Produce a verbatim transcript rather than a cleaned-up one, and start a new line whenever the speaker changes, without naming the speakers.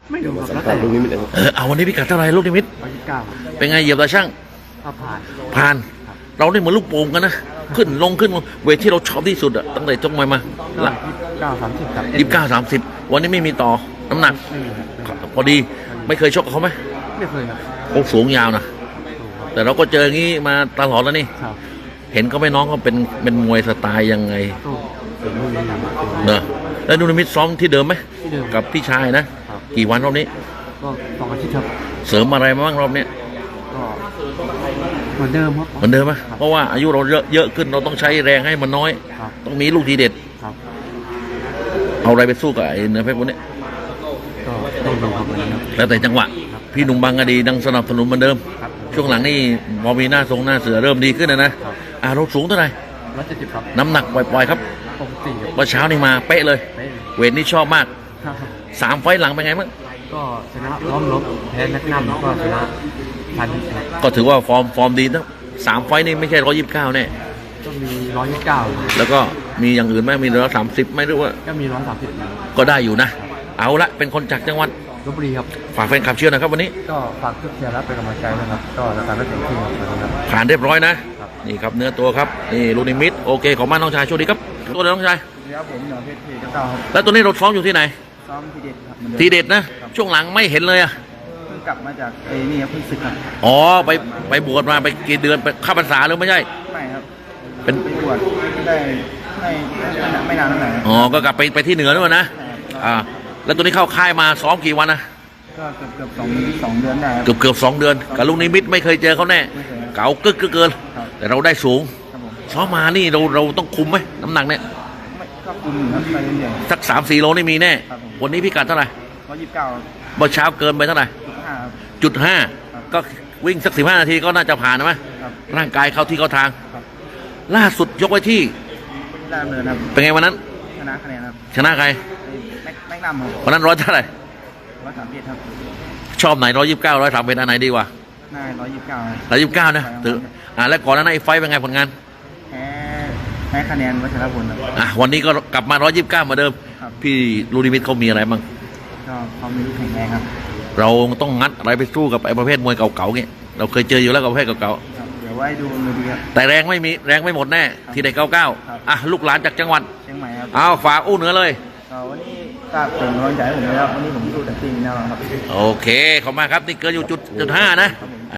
ไม่รู้ครับ
สัม
แล้ว
ภา
แต่
ษณ์ลูกนิมิตเลย
เออเอาวันนี้พิกัดเท่าไหร่ลูกนิมิต
ร้อยยี่สิบเก้า
เป็นไงเหยียบตาช่าง
ก็ผ่าน
ผ่านเราได้เหมือนลูกโป่งกันนะขึ้นลงขึ้นลงเวทที่เราชอบที่สุดอะตั้งแต่จงมามา
ก็
ละ
ยี่สิบเก้าสามสิบครับ
ยี่สิบเก้าสามสิบวันนี้ไม่มีต่อน้ำหนัก
ไม่มีครับ
พอดีไม่เคยชกกับเขาไหม
ไม่เคยครับ
โอ้สูงยาวนะแต่เราก็เจออย่างนี้มาตลอดแล้วนี่
ครับ
เห็นเขาไหม่น้องเขาเป็นเป็นมวยสไตล์ยังไง
ก็เป็นรุ่นนี้ครับ
เนอะแล้วนูนมิตซ้อมที่เดิมไหม
ที่เดิม
กับพี่ชายนะ
ครับ
กี่วันรอบนี้
ก็สองอาทิตย์ครับ
เสริมอะไรมาบ้างรอบนี้
ก็เหมือนเดิมครับ
เหมือนเดิมไหมเพราะว่าอายุเราเยอะเยอะขึ้นเราต้องใช้แรงให้มันน้อย
ครับ
ต้องมีลูกทีเด็ด
ครับ
เอาอะไรไปสู้กับไอ้เนื้อเพชรพวกนี้
ก็ต้องดูครับวันนี้ครับ
แล้วแต่จังหวะ พี่หนุ่มบางกะดีดังสนับสนุนเหมือนเดิม
ครับ
ช่วงหลังนี่พอมีหน้าทรงหน้าเสือเริ่มดีขึ้นนะนะครับ อ่าเราสูงเท่าไหร่
ร้อยเจ็ดสิบครับ
น้ำหนักปล่อยๆครับ
ปกติครับ
เมื่อเช้านี่มาเป๊ะเลย
เป๊ะ
เวทนี่ชอบมาก
ครับ
สามไฟต์หลังเป็นไงบ้าง
ก็ชนะล้อมลบแพ้แมกนัมแล้วก็ชนะพันธุ์ครับ
ก็ถือว่าฟอร์มฟอร์มดีนะสามไฟต์นี่ไม่ใช่ร้อยยี่สิบเก้าแน่
ก็มีร้อยยี่สิบเก้า
แล้วก็มีอย่างอื่นไหมมีร้อยสามสิบไหมหรือว่า
ก็มีร้อยสามสิบ
ก็ได้อยู่นะ เอาละเป็นคนจากจังหวัด
ลพบุรีครับ
ฝากแฟนคลับเชื่อนะครับวันนี้
ก็ฝากทุกเชียร์และเป็นกำลังใจนะครับ ก็รายการไม่เต็มที่ครับ
ผ่านเรียบร้อยนะ
ครับ
นี่ครับเนื้อตัวครับนี่ลูนิมิตโอเคขอบคุณมากน้องชายโชคดีครับตัวเลยน้องชาย
ครับผมเหนือเพชรเพชรเก้าครับ
แล้วตัวนี้เราซ้อมอยู่ที่ไหน
ซ้อมทีเด็ดครับเหมือนเดิม
ทีเด็ดนะ ช่วงหลังไม่เห็นเลยอะ
เพิ่งกลับมาจากไอ้นี่ครับเพิ่งศึกครับ
อ๋อไปไปบวชมาไปกี่เดือนไปเข้าพรรษาหรือไม่ใช่
ไม่ครับ
เป็น
ไปบวชได้ไม่ไม่นานเท่าไหร่
อ๋อก็กลับไปไปที่เหนือด้วยนะอ่าแล้วตัวนี้เข้าค่ายมาซ้อมกี่วันนะ
ก็เกือบเกือบสองสองเดือนได้ครับ
เกือบเกือบสองเดือนกับลูกนิมิตไม่เคยเจอเขาแน่
ไม่เคย
เก๋ากึกกึกเกิน
ครับ
แต่เราได้สูง
ครับผม
ซ้อมมานี่เราเราต้องคุมไหมน้ำหนักเนี่ย
ไม่ก็คุมอยู่ครับไปเรื่อย
สักสามสี่โลนี่มีแน่
ครับผม
วันนี้พิกัดเท่าไหร่
ๆร้อยยี่สิบเก้า
เมื่อเช้าเกินไปเท่าไหร่
จุดห้าครับ
จุดห้า
ครับ
ก็วิ่งสักสิบห้านาทีก็น่าจะผ่านนะมั้ย
ครับ
ร่างกายเข้าที่เข้าทาง
ครับ
ล่าสุดยกไว้ที่
ได้ดำเนินครับ
เป็นไงวันนั้น
ชนะคะแนนครับ
ชนะใคร
ไอ้แม็กแม็กนัมครับ
วันนั้นร้อยเท่าไหร่
ร้อยสามสิบครับ
ชอบไหนร้อยยี่สิบเก้าร้อยสามเป็นอันไหนดีกว่า
หน้าร้อยยี่สิบเก้า
ร้อยยี่สิบเก้านะถืออ่าแล้วก่อนหน้านั้นไอ้ไฟท์เป็นไงผลงาน
แพ้แพ้คะแนนวัชรพลครับ
อ่ะวันนี้ก็กลับมาร้อยยี่สิบเก้าเหมือนเดิม
ครับ
พี่ลูนิมิตเขามีอะไรบ้าง
ก็ความมีลูกแข็งแรงครับ
เราต้องงัดอะไรไปสู้กับไอ้ประเภทมวยเก่าๆเงี้ยเราเคยเจออยู่แล้วกับประเภทเก่า
ครับเดี๋ยวไว้ดูมือดีครับ
ๆแต่แรงไม่มีแรงไม่หมดแน่ทีเด็กเก้าเก้า
ครับ
อ่ะลูกหลานจากจังหวัด
เชียงใหม่ครับ
เอาฝากอู้เหนือเลย
ก็วันนี้ก็เป็นกำลังใจให้ผมเลยครับวันนี้ผมสู้เต็มที่แน่นอนครับ
โอเคขอบคุณมากครับนี่เกินอยู่จุดจุดห้านะ
ครับผม